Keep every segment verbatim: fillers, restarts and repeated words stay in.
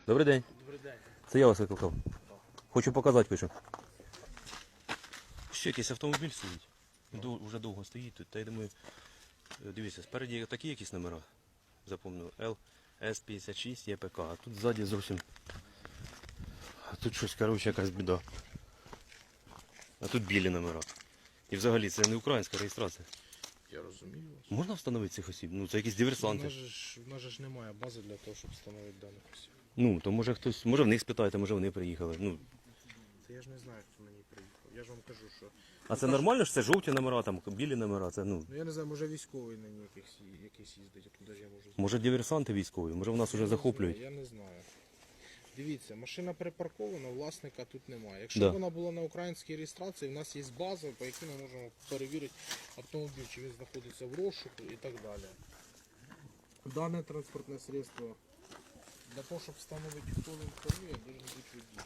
Добрий день. Добрий день. Це я вас викликав. Хочу показати, пишу. Ще якийсь автомобіль стоїть. Ду- Уже довго стоїть тут. Та я думаю, е, дивіться, спереді такі якісь номера. Запомнив. Л С п'ятдесят шість Є П К. А тут ззаді зовсім. А тут щось, коротше, якась біда. А тут білі номера. І взагалі це не українська реєстрація. Я розумію вас. Можна встановити цих осіб? Ну це якісь У диверсанти. нас же ж, у нас же ж немає бази для того, щоб встановити даних осіб. Ну, то може хтось, може в них спитаєте, може вони приїхали. Ну, Це я ж не знаю, хто на ній приїхав. Я ж вам кажу, що... а це нормально, що це жовті номера, там білі номера, це ну. Ну я не знаю, може військовий на ній якийсь, якийсь їздить, откуда ж я можу знати. Може диверсанти військові, може в нас вже Я не захоплюють. знаю, Я не знаю. Дивіться, машина припаркована, власника тут немає. Якщо Да. б вона була на українській реєстрації, в нас є база, по якій ми можемо перевірити автомобіль, чи він знаходиться в розшуку і так далі. Дане транспортне средство для того, щоб встановити, хто він керує, має бути водій.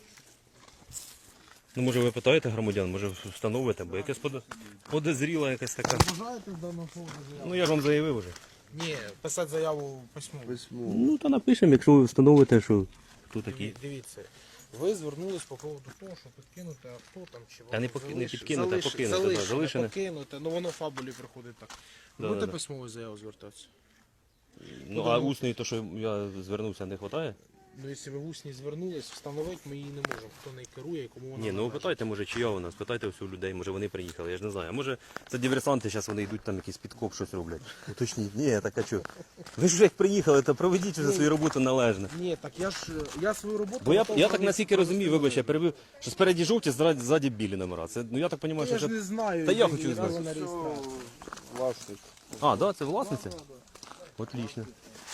Ну може ви питаєте громадян, може встановите, бо якась подо- подозріла якась така. Бажаєте в даному поводу заяву? Ну я ж вам заявив вже. Ні, писати заяву письмово. Ну то напишемо, якщо ви встановите, що хто такі. Диві- Дивіться, ви звернулись по поводу того, що підкинути авто там чи Та не воно поки- не залиш- підкинуте, а залиш- покинуте, да, залишене, залишене. покинуте, ну воно в фабулі приходить так. Да, Будете да, да. письмову заяву звертатися? Ну а усної, то що я звернувся, не вистачає? Ну, якщо ви в усні звернулись, встановити ми її не можемо. Хто не керує і кому вона Ні, ну належить. питайте, може, чия вона, спитайте усіх людей, може вони приїхали, я ж не знаю. А може це диверсанти, зараз вони йдуть там якийсь підкоп, щось роблять. Уточніть, ні, так а чого? Ви ж вже як приїхали, то проведіть вже свою роботу належно. Ні, так я ж я свою роботу... Бо я, готов я так провести наскільки розумію, повністю. вибач, я перебив, що спереді жовті, ззаді, ззаді білі номера. Це, ну я так розумію, що Я ж це... не знаю. Та я ні хочу разу знати. на реєстрації. Власник. А, да, це власниця? Отлично.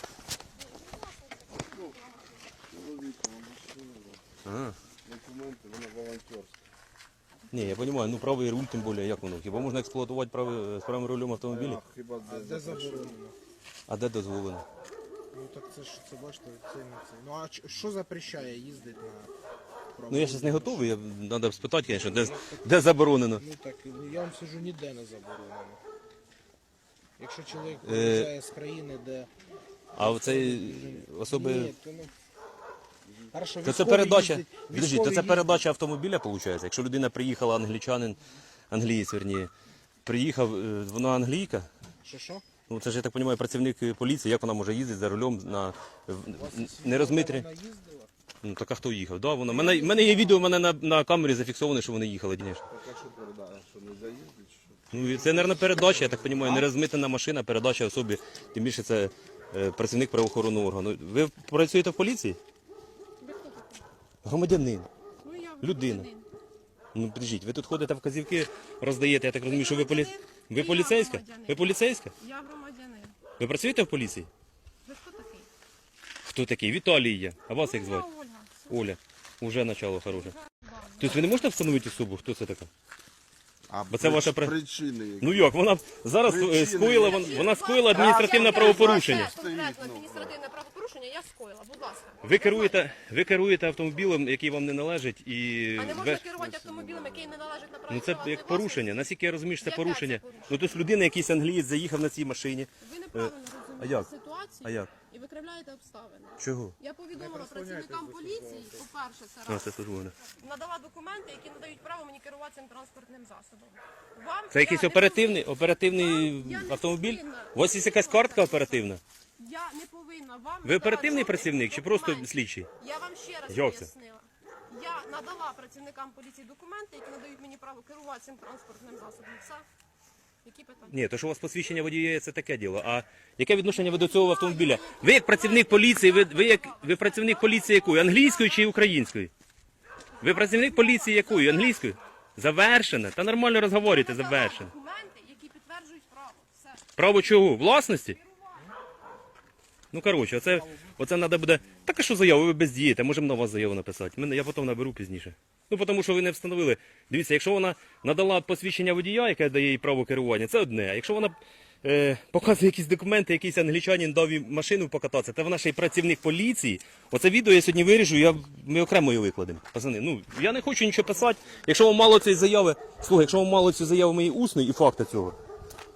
Чоловіка, машина, Ага. документи, вона волонтерська. Ні, я розумію, ну правий руль тим більше, як воно? Хіба можна експлуатувати правий, з правим рулем автомобілі? А хіба А де де запрещено? заборонено? А де дозволено? Ну так це ж, це бачите, це не це. Ну а ч- що запрещає їздити на... Ну я зараз не готовий, я, треба спитати, звісно, де, де заборонено. Ну так, я вам скажу, ніде не заборонено. Якщо чоловік Е, приїжджає з країни, де... А оцей особи... Ні, то не... Хорошо, То це військові передача, їздять- підождіть, то військові це їздять- передача автомобіля, виходить? Якщо людина приїхала, англічанин, англієць, верні, приїхав, е, вона англійка, Що, що? ну це ж, я так розумію, працівник поліції, як вона може їздити за рулем на в- не розмитрі? Вона їздила? Ну так а хто їхав? Да, вона. Мене, мене є відео, в мене на, на камері зафіксовано, що вони їхали, звісно. Так а що передає, що не заїздить, що? Ну і це, мабуть, передача, я так розумію, не розмитена машина, передача особі, тим більше це е, працівник правоохоронного органу. Ви працюєте в поліції? Громадянин. Ну, я Людина. громадянин. Ну, підождіть, ви тут ходите вказівки, роздаєте, я так розумію, що ви полі... Ви Я поліцейська? громадянин. Ви поліцейська? Я громадянин. Ви працюєте в поліції? Ви хто такий? Хто такий? Віталій є. А вас як Я звати? Ольга. Оля. Уже начало хороше. База. Тобто ви не можете встановити особу, хто це така? А Бо це ваша при- причини які? Ну як, вона зараз е, Причини. скоїла, вон- вона скоїла адміністративне Я правопорушення. Конкретно адміністративне правопорушення я скоїла, будь ласка. Ви керуєте, ви керуєте автомобілем, який вам не належить, і А не можна без- керувати автомобілем, який не належить на право ну це приватної як порушення. власності? Наскільки я розумію, що це Яке порушення. це порушення? Ну тобто людина, якийсь англієць заїхав на цій машині. Ви неправильно а розумієте як? ситуацію А як? і викривляєте обставини. Чого? Я повідомила працівникам поліції, по-перше, це А, раз. це службове. Надала документи, які надають право мені керувати цим транспортним засобом. Вам Це якийсь я не оперативний, повинна- оперативний Вам я не автомобіль? повинна У вас є якась картка оперативна? Я не повинна вам Ви надавати оперативний жодних працівник чи просто документів. слідчий? Я вам ще раз Як це? пояснила. Я надала працівникам поліції документи, які надають мені право керувати цим транспортним засобом. Все. Які питання? Ні, то що у вас посвідчення водія, це таке діло. А яке відношення ви до цього автомобіля? Ви як працівник поліції, ви, ви як ви працівник поліції якої? Англійської чи української? Ви працівник поліції якої? Англійської? Завершено. Та нормально розговорюєте, Надала завершено. документи, які підтверджують право. Все. Право чого? Власності? Ну, коротше, оце, оце треба буде... Так а що заяву? Ви бездієте, можемо на вас заяву написати. Мене, я потім наберу пізніше. Ну, тому що ви не встановили. Дивіться, якщо вона надала посвідчення водія, яке дає їй право керування, це одне. А якщо вона е, показує якісь документи, якийсь англічанин дав їй машину покататися, та вона ще й працівник поліції. Оце відео я сьогодні виріжу, я, ми окремо її викладемо. Пацани, ну, я не хочу нічого писати. Якщо вам мало цієї заяви, слухай, якщо вам мало цієї заяви моєї усної і факта цього,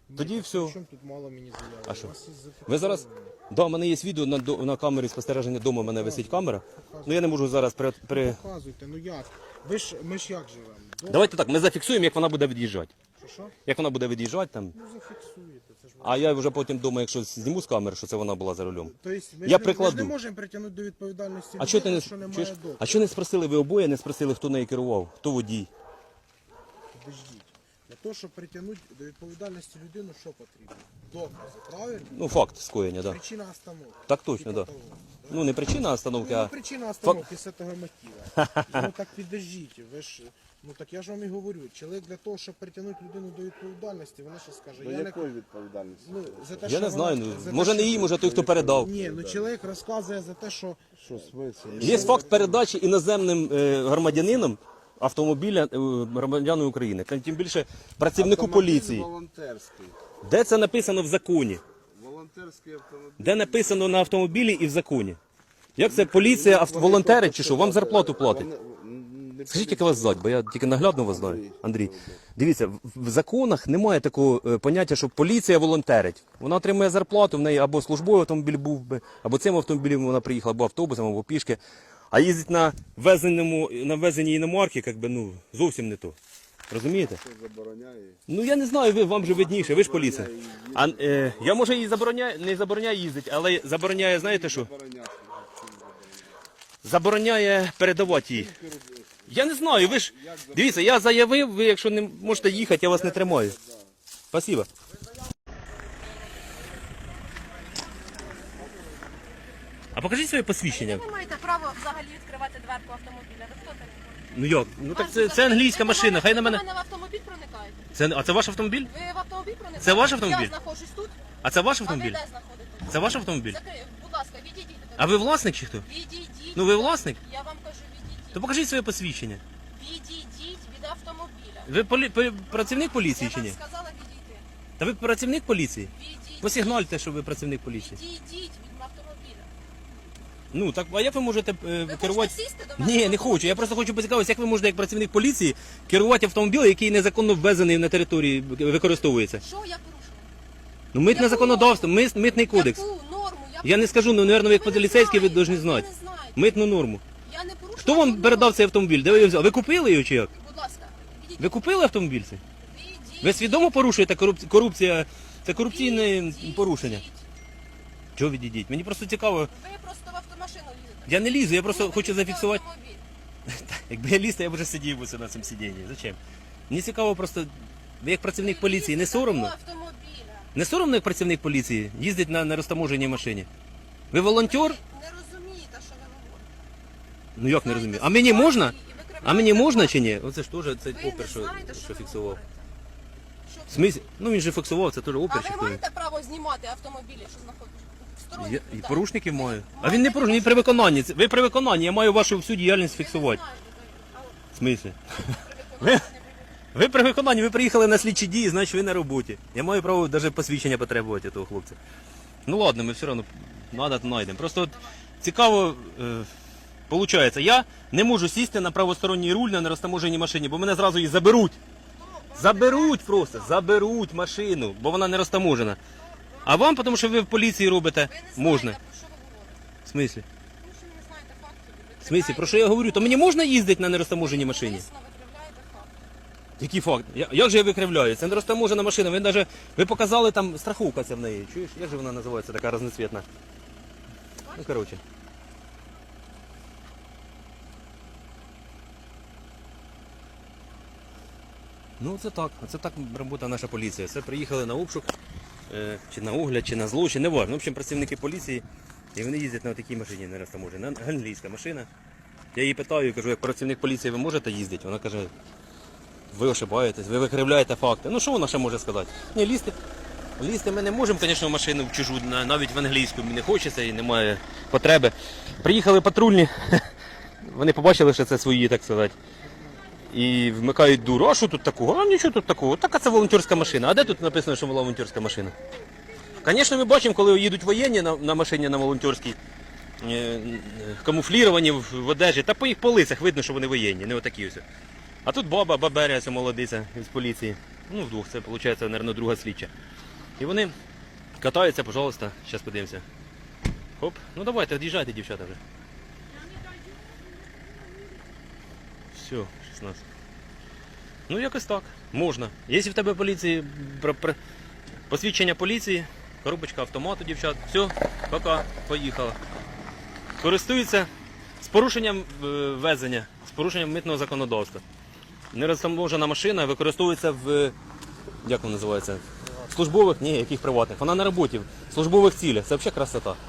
Тоді Ні, все. Чому тут мало мені заяви? А що? У вас є Ви зараз. зафіксовано. Да, у мене є відео на, до- на камері спостереження дому, у мене висить камера. Ну я не можу зараз при. при... Показуйте, ну як? Ви ж, ми ж як живемо? До- Давайте так, ми зафіксуємо, як вона буде від'їжджати. Що, що? Як вона буде від'їжджати там. Ну зафіксуєте, це ж А я вже потім думаю, якщо зніму з камери, що це вона була за рулем. Тобто, ми, Я ж не, ми ж прикладу. не можемо притягнути до відповідальності А що ти не що немає чуєш? доказу. А що не спросили ви обоє, не спросили, хто нею керував, хто водій? Подождіть. Для того, щоб притягнути до відповідальності людину, що потрібно? Докази, правильно? Ну, факт скоєння, так. Да. Причина остановки. Так точно, Типа так. того. Да. Ну не причина остановки, Ну, а причина остановки з цього мотива. Ну так підождіть, ви ж, ну так я ж вам і говорю, чоловік для того, щоб притягнути людину до відповідальності, вона ще скаже, До я не... якої відповідальності? Ну, за те, я що не знаю, вона- ну за те, може не що- їй, може той, хто передав. Ні, ну чоловік розказує за те, що Що смисл? Є факт передачі іноземним е, громадянином автомобіля е, громадянину України. Тим більше працівнику Автомобіль поліції. Волонтерський. Де це написано в законі? Волонтерський автомобіль. Де написано на автомобілі і в законі? Як це поліція, авто- волонтери чи що? Вам зарплату платить? Скажіть, як вас звати, бо я тільки наглядно вас знаю, Андрій. Дивіться, в- в законах немає такого е, поняття, що поліція волонтерить. Вона отримує зарплату, в неї або службовий автомобіль був би, або цим автомобілем вона приїхала, або автобусом, або пішки. А їздить на везеному, на везеній іномарці, як би, ну, зовсім не то. Розумієте? Що забороняє? Ну я не знаю, ви, вам же видніше, ви ж поліція. А, е, я може її забороняю, не забороняю їздити, але забороняє, знаєте що? Забороняти. Забороняє передавати її. Я не знаю, ви ж. Дивіться, я заявив, ви якщо не можете їхати, я вас не тримаю. Спасибо. А покажіть своє посвідчення. Ви не маєте права взагалі відкривати дверку автомобіля. Ви хто такий? Ну як? Ну так Вас це, це взагалі- англійська ви машина, хай на Ви мене. до мене в автомобіль проникаєте? Це, а це ваш автомобіль? Ви в автомобіль проникаєте? Це ваш автомобіль? Я знаходжусь тут. А це ваш А ви автомобіль? де знаходитесь? Це ваш автомобіль? Закрий, будь ласка, відійдіть. А ви власник чи хто? Відійдіть. Ну ви власник? Я вам кажу, відійдіть. То покажіть своє посвідчення. Відійдіть від автомобіля. Ви полі... полі- працівник поліції Я чи вам ні? сказала відійти. Та ви працівник поліції? Відійдіть. Посигнальте, що ви працівник поліції. Відійдіть від автомобіля. Ну так, а як ви можете е, Ви керувати? хочете сісти до мене? Ні, не хочу. Я просто хочу поцікавитися, як ви можете як працівник поліції керувати автомобілем, який незаконно ввезений на території, використовується. Що я порушила? Ну митне Яку законодавство, мис- митний кодекс. Яку норму? Я, Я не скажу, ну, наверное, ви як Ви не поліцейський, ви знаєте, повинні знати. Ви не знаєте. Митну норму. Я не порушила. Хто вам жодну передав норму. цей автомобіль? Де ви його взяли? Ви купили його чи як? Будь ласка, відійдіть. Ви купили автомобіль цей? Відійдіть. Ви свідомо порушуєте корупцію? Корупція це корупційне Відійдіть. порушення. Чого відійдіть? Мені просто цікаво. Ви просто в автомашину лізете. Я не лізу, я просто Ну, хочу ви зафіксувати. автомобіль. Якби я ліз, то я б вже сидів би на цьому сидінні. Зачем? Мені цікаво просто, ви як працівник Ви поліції, не лізете соромно? до автомобіля. Не соромно, як працівник поліції їздить на нерозтаможеній машині? Ви волонтер? Не розумієте, що ви говорите. Ну як не Знаєте розумію? А мені ситуації можна? і викриваєте А мені можна факти. чи ні? Оце ж теж цей Ви опер, не що, знаєте, що що ви фіксував. говорите. Що В смислі? Ну він же фіксував, це теж А опер. ви маєте право знімати автомобілі, що знаходяться? Сторонні Я, і людей. порушників маю. А Маєте він не порушник, він при виконанні. Це- Ви при виконанні, я маю вашу всю діяльність Ви не фіксувати. знаєте, ви- а В смислі? при виконанні не Ви при виконанні, ви приїхали на слідчі дії, значить ви на роботі. Я маю право навіть посвідчення потребувати того хлопця. Ну ладно, ми все одно надо, то знайдемо. Просто от цікаво, е, получається, я не можу сісти на правосторонній руль на нерозтаможеній машині, бо мене зразу її заберуть. Заберуть просто, заберуть машину, бо вона не розтаможена. А вам, тому що ви в поліції робите, Ви не знаєте, можна. про що ви говорите. В смислі? Тому що ви не знаєте фактів. Ви В смислі, про що я говорю? То мені можна їздити на нерозтаможеній машині? Звісно, викривляєте факти. Який факт? Я- Як же я викривляю? Це не розтаможена машина. Ви навіть ви показали там страховка ця в неї. Чуєш? Як же вона називається, така разноцвітна? Ну, коротше. Ну, це так. Це так робота наша поліція. Це приїхали на обшук, е, чи на огляд, чи на злочин, не важно. В общем, працівники поліції, і вони їздять на такій машині не розтаможені. Англійська машина. Я її питаю, кажу, як працівник поліції ви можете їздити? Вона каже, ви ошибаєтесь, ви викривляєте факти. Ну що вона ще може сказати? Ні, лізти. Лізти ми не можемо, звісно, в машину в чужу, на- навіть в англійську мені не хочеться і немає потреби. Приїхали патрульні, вони побачили, що це свої, так сказати. І вмикають дуру. А що тут такого? А нічого тут такого. Так, а це волонтерська машина. А де тут написано, що волонтерська машина? Звісно, ми бачимо, коли їдуть воєнні на, на машині на волонтерській, е, камуфліровані в, в одежі, та по їх по лицях видно, що вони воєнні, не отакі ось. А тут баба, баберя, ця молодиця з поліції. Ну, вдвох, це, виходить, мабуть, друга слідча. І вони катаються, пожалуйста, зараз подивимося. Хоп, ну давайте, від'їжджайте, дівчата вже. Все, шістнадцять. Ну якось так, можна. Якщо в тебе поліції, пр- пр- посвідчення поліції, коробочка автомату, дівчат, все, пока, поїхала. Користуються з порушенням е, везення, з порушенням митного законодавства. Нерозтаможена машина використовується в, як воно називається, службових, ні, яких приватних. Вона на роботі, в службових цілях, це взагалі красота.